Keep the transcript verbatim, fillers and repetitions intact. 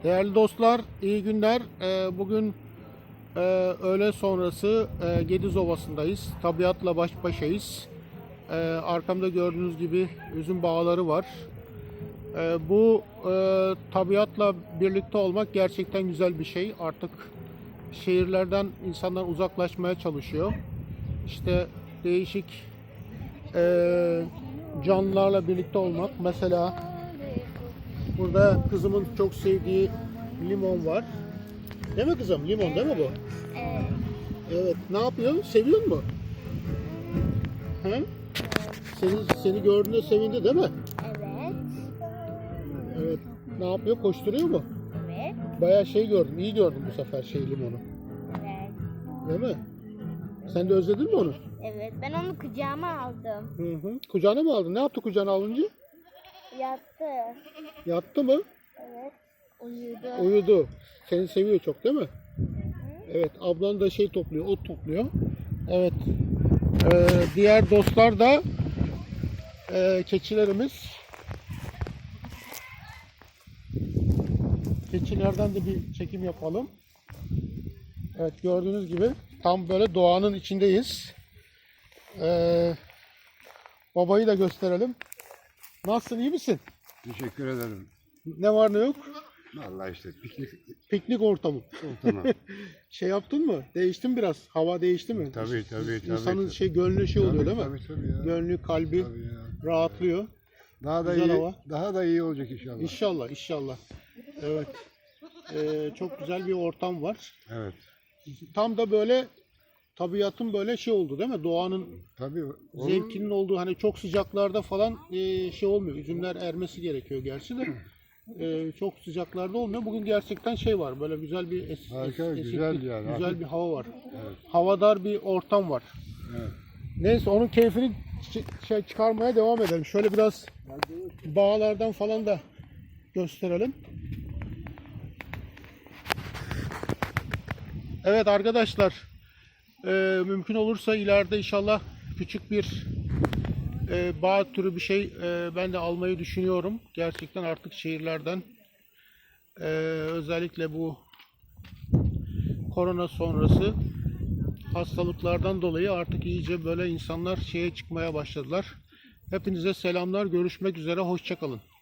Değerli dostlar, iyi günler. Ee, Bugün e, öğle sonrası e, Gediz Ovası'ndayız. Tabiatla baş başayız. Ee, Arkamda gördüğünüz gibi üzüm bağları var. Ee, Bu e, tabiatla birlikte olmak gerçekten güzel bir şey. Artık şehirlerden insanlar uzaklaşmaya çalışıyor. İşte değişik e, canlılarla birlikte olmak. Mesela burada kızımın çok sevdiği limon var. Değil mi kızım? Limon değil mi bu? Evet. Evet. Ne yapıyor? Seviyor mu? He? Seni, seni gördüğünde sevindi değil mi? Evet. Evet. Ne yapıyor? Koşturuyor mu? Evet. Bayağı şey gördüm. İyi gördüm bu sefer şey limonu. Evet. Değil mi? Sen de özledin mi onu? Evet. Ben onu kucağıma aldım. Hı hı. Kucağına mı aldın? Ne yaptı kucağına alınca? Yattı. Yattı mı? Evet. Uyudu. Uyudu. Seni seviyor çok değil mi? Hı hı. Evet. Ablan da şey topluyor. Ot topluyor. Evet. Ee, diğer dostlar da e, keçilerimiz. Keçilerden de bir çekim yapalım. Evet, gördüğünüz gibi tam böyle doğanın içindeyiz. Ee, babayı da gösterelim. Nasılsın, iyi misin? Teşekkür ederim. Ne var ne yok? Vallahi işte piknik Piknik ortamı. ortamı. Şey yaptın mı? Değişti mi biraz? Hava değişti mi? Tabii, tabii, tabii. İnsanın şey gönlü şey oluyor değil mi? Tabii tabii ya. Gönlü, kalbi Tabii ya. rahatlıyor. Daha da Güzel iyi, hava. daha da iyi olacak inşallah. İnşallah, inşallah. Evet. Ee, çok güzel bir ortam var. Evet. Tam da böyle tabiatın böyle şey oldu değil mi? Doğanın Tabii. Onun, zevkinin olduğu, hani çok sıcaklarda falan e, şey olmuyor. Üzümler ermesi gerekiyor gerçi de. E, çok sıcaklarda olmuyor. Bugün gerçekten şey var. Böyle güzel bir es, Harika, es- güzel esinti, yani. güzel bir hava var. Evet. Havadar bir ortam var. Evet. Neyse, onun keyfini çı- şey çıkarmaya devam edelim. Şöyle biraz bağlardan falan da gösterelim. Evet arkadaşlar, e, mümkün olursa ileride inşallah küçük bir e, bağ türü bir şey e, ben de almayı düşünüyorum. Gerçekten artık şehirlerden e, özellikle bu korona sonrası hastalıklardan dolayı artık iyice böyle insanlar şeye çıkmaya başladılar. Hepinize selamlar. Görüşmek üzere. Hoşça kalın.